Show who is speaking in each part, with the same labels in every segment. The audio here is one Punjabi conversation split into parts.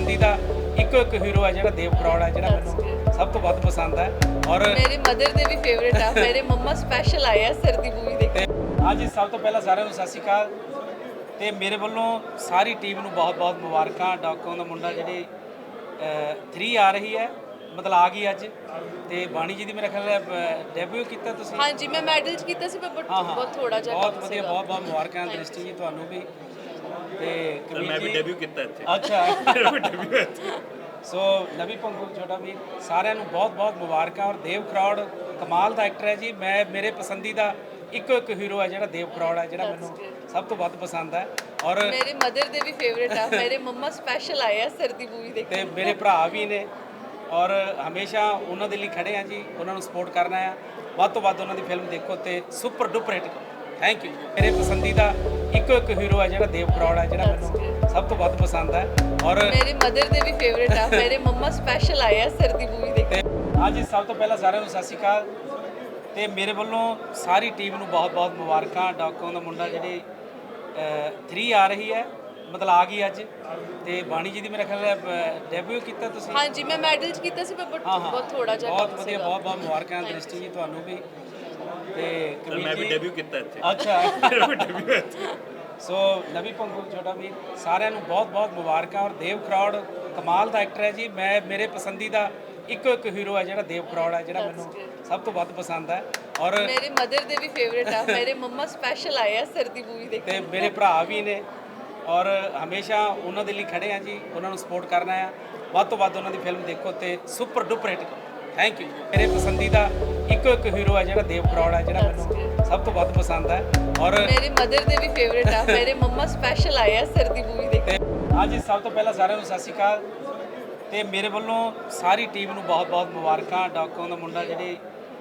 Speaker 1: पसंदीदा इको एक हीरो है जो देव करौड़ है जो मैं सब तो वध पसंद है और
Speaker 2: मेरे मदर ਦੇ ਵੀ ਫੇਵਰਿਟ ਆ ਮੇਰੇ ਮੰਮਾ ਸਪੈਸ਼ਲ ਆਏ ਆ ਸਰਦੀ ਮੂਵੀ ਦੇਖ
Speaker 1: ਅੱਜ ਸਭ ਤੋਂ ਪਹਿਲਾਂ ਸਾਰਿਆਂ ਨੂੰ ਸਤਿ ਸ਼੍ਰੀ ਅਕਾਲ ਤੇ ਮੇਰੇ ਵੱਲੋਂ ਸਾਰੀ ਟੀਮ ਨੂੰ ਬਹੁਤ-ਬਹੁਤ ਮੁਬਾਰਕਾਂ। ਡਾਕੋਂ ਦਾ ਮੁੰਡਾ ਜਿਹੜੀ 3 ਆ ਰਹੀ ਹੈ ਮਤਲਬ ਆ ਗਈ ਅੱਜ ਤੇ ਬਾਣੀ ਜੀ ਦੀ ਮੇਰੇ ਖਿਆਲ ਡੈਬਿਊ ਕੀਤਾ ਤੁਸੀਂ।
Speaker 2: ਹਾਂਜੀ ਮੈਂ ਮੈਡਲਸ ਕੀਤਾ ਸੀ ਪਰ ਬਹੁਤ ਥੋੜਾ ਜਿਹਾ
Speaker 1: ਬਹੁਤ ਵਧੀਆ ਬਹੁਤ ਮੁਬਾਰਕਾਂ ਦ੍ਰਿਸ਼ਟੀ ਜੀ ਤੁਹਾਨੂੰ ਵੀ ਤੇ
Speaker 3: ਮੈਂ ਵੀ ਡੈਬਿਊ ਕੀਤਾ ਇੱਥੇ।
Speaker 1: ਅੱਛਾ ਸੋ ਨਵੀ ਪੰਗੂ ਛੋਟਾ ਵੀਰ ਸਾਰਿਆਂ ਨੂੰ ਬਹੁਤ ਮੁਬਾਰਕਾਂ। ਔਰ ਦੇਵ ਕਰੌੜ ਕਮਾਲ ਦਾ ਐਕਟਰ ਹੈ ਜੀ। ਮੈਂ ਮੇਰੇ ਪਸੰਦੀਦਾ ਇੱਕੋ ਇੱਕ ਹੀਰੋ ਹੈ ਜਿਹੜਾ ਦੇਵ ਕਰੌੜ ਹੈ ਜਿਹੜਾ ਮੈਨੂੰ ਸਭ ਤੋਂ ਵੱਧ ਪਸੰਦ ਹੈ ਔਰ
Speaker 2: ਮੇਰੇ ਮਦਰ ਦੇ ਵੀ ਫੇਵਰਿਟ ਆ ਮੇਰੇ ਮੰਮਾ ਸਪੈਸ਼ਲ ਆਏ ਆ ਸਰਦੀ ਮੂਵੀ ਦੇਖ
Speaker 1: ਤੇ ਮੇਰੇ ਭਰਾ ਵੀ ਨੇ ਔਰ ਹਮੇਸ਼ਾ ਉਹਨਾਂ ਦੇ ਲਈ ਖੜੇ ਆ ਜੀ। ਉਹਨਾਂ ਨੂੰ ਸਪੋਰਟ ਕਰਨਾ ਆ ਵੱਧ ਤੋਂ ਵੱਧ ਉਹਨਾਂ ਦੀ ਫਿਲਮ ਦੇਖੋ ਤੇ ਸੁਪਰ ਡੁਪਰ ਹਿੱਟ ਕਰੋ। Thank you. ਮੇਰੇ ਪਸੰਦੀਦਾ ਇੱਕੋ ਇੱਕ ਹੀਰੋ ਹੈ ਜਿਹੜਾ ਦੇਵ ਕਰੌੜ ਹੈ ਜਿਹੜਾ ਮੈਨੂੰ ਸਭ ਤੋਂ ਵੱਧ ਪਸੰਦ ਹੈ ਔਰ
Speaker 2: ਮੇਰੇ ਮਦਰ ਦੇ ਵੀ ਫੇਵਰਿਟ ਆ ਮੇਰੇ ਮੰਮਾ ਸਪੈਸ਼ਲ ਆਏ ਆ ਸਰਦੀ ਮੂਵੀ ਦੇਖ
Speaker 1: ਅੱਜ ਸਭ ਤੋਂ ਪਹਿਲਾਂ ਸਾਰਿਆਂ ਨੂੰ ਸਤਿ ਸ਼੍ਰੀ ਅਕਾਲ ਤੇ ਮੇਰੇ ਵੱਲੋਂ ਸਾਰੀ ਟੀਮ ਨੂੰ ਬਹੁਤ ਮੁਬਾਰਕਾਂ। ਡਾਕੋਂ ਦਾ ਮੁੰਡਾ ਜਿਹੜੀ 3 ਆ ਰਹੀ ਹੈ ਮਤਲਬ ਆ ਗਈ ਅੱਜ ਤੇ ਬਾਣੀ ਜੀ ਦੀ ਮੇਰੇ ਖਿਆਲ ਡੈਬਿਊ ਕੀਤਾ ਤੁਸੀਂ।
Speaker 2: ਹਾਂਜੀ ਮੈਂ ਮੈਡਲਸ ਕੀਤਾ ਸੀ ਪਰ ਬਹੁਤ ਥੋੜਾ ਜਿਹਾ
Speaker 1: ਬਹੁਤ ਵਧੀਆ ਬਹੁਤ ਮੁਬਾਰਕਾਂ ਦ੍ਰਿਸ਼ਟੀ ਜੀ ਤੁਹਾਨੂੰ ਵੀ ਤੇ
Speaker 3: ਮੈਂ ਵੀ ਡੈਬਿਊ ਕੀਤਾ ਇੱਥੇ।
Speaker 1: ਅੱਛਾ ਸੋ ਨਵੀ ਪੰਗੂ ਛੋਟਾ ਵੀਰ ਸਾਰਿਆਂ ਨੂੰ ਬਹੁਤ ਮੁਬਾਰਕਾਂ। ਔਰ ਦੇਵ ਕਰੌੜ ਕਮਾਲ ਦਾ ਐਕਟਰ ਹੈ ਜੀ। ਮੈਂ ਮੇਰੇ ਪਸੰਦੀਦਾ ਇੱਕੋ ਇੱਕ ਹੀਰੋ ਹੈ ਜਿਹੜਾ ਦੇਵ ਕਰੌੜ ਹੈ ਜਿਹੜਾ ਮੈਨੂੰ ਸਭ ਤੋਂ ਵੱਧ ਪਸੰਦ ਹੈ ਔਰ
Speaker 2: ਮੇਰੇ ਮਦਰ ਦੇ ਵੀ ਫੇਵਰਿਟ ਆ ਮੇਰੇ ਮੰਮਾ ਸਪੈਸ਼ਲ ਆਏ ਆ ਸਰਦੀ ਮੂਵੀ ਦੇਖ
Speaker 1: ਤੇ ਮੇਰੇ ਭਰਾ ਵੀ ਨੇ ਔਰ ਹਮੇਸ਼ਾ ਉਹਨਾਂ ਦੇ ਲਈ ਖੜੇ ਆ ਜੀ। ਉਹਨਾਂ ਨੂੰ ਸਪੋਰਟ ਕਰਨਾ ਆ ਵੱਧ ਤੋਂ ਵੱਧ ਉਹਨਾਂ ਦੀ ਫਿਲਮ ਦੇਖੋ ਤੇ ਸੁਪਰ ਡੁਪਰ ਹਿੱਟ ਕਰੋ। Thank you. ਮੇਰੇ ਪਸੰਦੀਦਾ ਇੱਕੋ ਇੱਕ ਹੀਰੋ ਹੈ ਜਿਹੜਾ ਦੇਵ ਕਰੌੜ ਹੈ ਜਿਹੜਾ ਮੈਨੂੰ ਸਭ ਤੋਂ ਵੱਧ ਪਸੰਦ ਹੈ ਔਰ
Speaker 2: ਮੇਰੇ ਮਦਰ ਦੇ ਵੀ ਫੇਵਰਿਟ ਆ ਮੇਰੇ ਮੰਮਾ ਸਪੈਸ਼ਲ ਆਏ ਆ ਸਰਦੀ ਮੂਵੀ ਦੇਖ
Speaker 1: ਅੱਜ ਸਭ ਤੋਂ ਪਹਿਲਾਂ ਸਾਰਿਆਂ ਨੂੰ ਸਤਿ ਸ਼੍ਰੀ ਅਕਾਲ ਤੇ ਮੇਰੇ ਵੱਲੋਂ ਸਾਰੀ ਟੀਮ ਨੂੰ ਬਹੁਤ ਮੁਬਾਰਕਾਂ। ਡਾਕੋਂ ਦਾ ਮੁੰਡਾ ਜਿਹੜੀ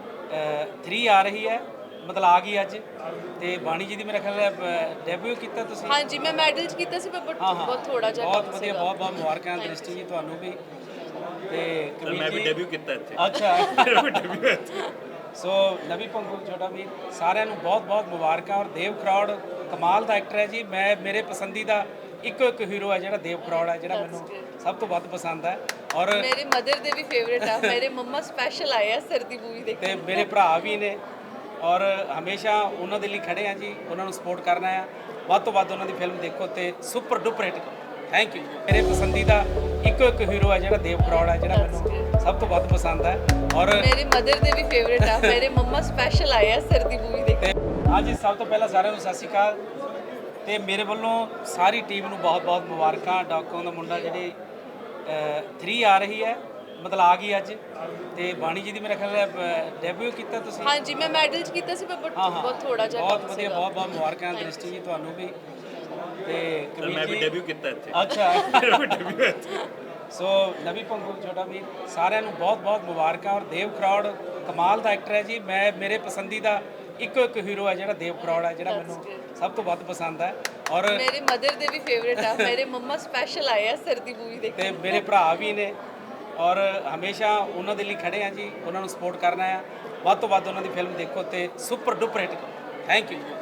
Speaker 1: 3 ਆ ਰਹੀ ਹੈ ਮਤਲਬ ਆ ਗਈ ਅੱਜ ਤੇ ਬਾਣੀ ਜੀ ਦੀ ਮੇਰੇ ਖਿਆਲ ਡੈਬਿਊ ਕੀਤਾ ਤੁਸੀਂ।
Speaker 2: ਹਾਂਜੀ ਮੈਂ ਮੈਡਲਸ ਕੀਤਾ ਸੀ ਪਰ ਬਹੁਤ ਥੋੜਾ ਜਿਹਾ
Speaker 1: ਬਹੁਤ ਵਧੀਆ ਬਹੁਤ ਮੁਬਾਰਕਾਂ ਦ੍ਰਿਸ਼ਟੀ ਜੀ ਤੁਹਾਨੂੰ ਵੀ ਤੇ
Speaker 3: ਮੈਂ ਵੀ ਡੈਬਿਊ ਕੀਤਾ ਇੱਥੇ।
Speaker 1: ਅੱਛਾ ਸੋ ਨਵੀ ਪੰਗੂ ਛੋਟਾ ਵੀਰ ਸਾਰਿਆਂ ਨੂੰ ਬਹੁਤ ਮੁਬਾਰਕਾਂ। ਔਰ ਦੇਵ ਕਰੌੜ ਕਮਾਲ ਦਾ ਐਕਟਰ ਹੈ ਜੀ। ਮੈਂ ਮੇਰੇ ਪਸੰਦੀਦਾ ਇੱਕੋ ਇੱਕ ਹੀਰੋ ਹੈ ਜਿਹੜਾ ਦੇਵ ਕਰੌੜ ਹੈ ਜਿਹੜਾ ਮੈਨੂੰ ਸਭ ਤੋਂ ਵੱਧ ਪਸੰਦ ਹੈ ਔਰ
Speaker 2: ਮੇਰੇ ਮਦਰ ਦੇ ਵੀ ਫੇਵਰਿਟ ਆ ਮੇਰੇ ਮੰਮਾ ਸਪੈਸ਼ਲ ਆਏ ਆ ਸਰਦੀ ਮੂਵੀ ਦੇਖ
Speaker 1: ਤੇ ਮੇਰੇ ਭਰਾ ਵੀ ਨੇ ਔਰ ਹਮੇਸ਼ਾ ਉਹਨਾਂ ਦੇ ਲਈ ਖੜੇ ਆ ਜੀ। ਉਹਨਾਂ ਨੂੰ ਸਪੋਰਟ ਕਰਨਾ ਆ ਵੱਧ ਤੋਂ ਵੱਧ ਉਹਨਾਂ ਦੀ ਫਿਲਮ ਦੇਖੋ ਤੇ ਸੁਪਰ ਡੁਪਰ ਹਿੱਟ ਕਰੋ। Thank you. ਮੇਰੇ ਪਸੰਦੀਦਾ ਇੱਕੋ ਇੱਕ ਹੀਰੋ ਹੈ ਜਿਹੜਾ ਦੇਵ ਕਰੌੜ ਹੈ ਜਿਹੜਾ ਮੈਨੂੰ ਸਭ ਤੋਂ ਵੱਧ ਪਸੰਦ ਹੈ ਔਰ
Speaker 2: ਮੇਰੇ ਮਦਰ ਦੇ ਵੀ ਫੇਵਰਿਟ ਆ ਮੇਰੇ ਮੰਮਾ ਸਪੈਸ਼ਲ ਆਏ ਆ ਸਰਦੀ ਮੂਵੀ ਦੇਖ
Speaker 1: ਅੱਜ ਸਭ ਤੋਂ ਪਹਿਲਾਂ ਸਾਰਿਆਂ ਨੂੰ ਸਤਿ ਸ਼੍ਰੀ ਅਕਾਲ ਤੇ ਮੇਰੇ ਵੱਲੋਂ ਸਾਰੀ ਟੀਮ ਨੂੰ ਬਹੁਤ ਮੁਬਾਰਕਾਂ। ਡਾਕੋਂ ਦਾ ਮੁੰਡਾ ਜਿਹੜੀ 3 ਆ ਰਹੀ ਹੈ ਮਤਲਬ ਆ ਗਈ ਅੱਜ ਤੇ ਬਾਣੀ ਜੀ ਦੀ ਮੇਰੇ ਖਿਆਲ ਡੈਬਿਊ ਕੀਤਾ ਤੁਸੀਂ।
Speaker 2: ਹਾਂਜੀ ਮੈਂ ਮੈਡਲਸ ਕੀਤਾ ਸੀ ਪਰ ਬਹੁਤ ਥੋੜਾ ਜਿਹਾ
Speaker 1: ਬਹੁਤ ਵਧੀਆ ਬਹੁਤ ਮੁਬਾਰਕਾਂ ਦ੍ਰਿਸ਼ਟੀ ਜੀ ਤੁਹਾਨੂੰ ਵੀ ਤੇ
Speaker 3: ਮੈਂ ਵੀ ਡੈਬਿਊ ਕੀਤਾ ਇੱਥੇ।
Speaker 1: ਅੱਛਾ ਸੋ ਨਵੀ ਪੰਗੂ ਛੋਟਾ ਵੀਰ ਸਾਰਿਆਂ ਨੂੰ ਬਹੁਤ ਮੁਬਾਰਕਾਂ। ਔਰ ਦੇਵ ਕਰੌੜ ਕਮਾਲ ਦਾ ਐਕਟਰ ਹੈ ਜੀ। ਮੈਂ ਮੇਰੇ ਪਸੰਦੀਦਾ ਇੱਕੋ ਇੱਕ ਹੀਰੋ ਹੈ ਜਿਹੜਾ ਦੇਵ ਕਰੌੜ ਹੈ ਜਿਹੜਾ ਮੈਨੂੰ ਸਭ ਤੋਂ ਵੱਧ ਪਸੰਦ ਹੈ ਔਰ
Speaker 2: ਮੇਰੇ ਮਦਰ ਦੇ ਵੀ ਫੇਵਰਿਟ ਆ ਮੇਰੇ ਮੰਮਾ ਸਪੈਸ਼ਲ ਆਏ ਆ ਸਰਦੀ ਮੂਵੀ ਦੇਖ
Speaker 1: ਤੇ ਮੇਰੇ ਭਰਾ ਵੀ ਨੇ ਔਰ ਹਮੇਸ਼ਾ ਉਹਨਾਂ ਦੇ ਲਈ ਖੜੇ ਆ ਜੀ। ਉਹਨਾਂ ਨੂੰ ਸਪੋਰਟ ਕਰਨਾ ਆ ਵੱਧ ਤੋਂ ਵੱਧ ਉਹਨਾਂ ਦੀ ਫਿਲਮ ਦੇਖੋ ਤੇ ਸੁਪਰ ਡੁਪਰ ਹਿੱਟ ਕਰੋ। Thank you.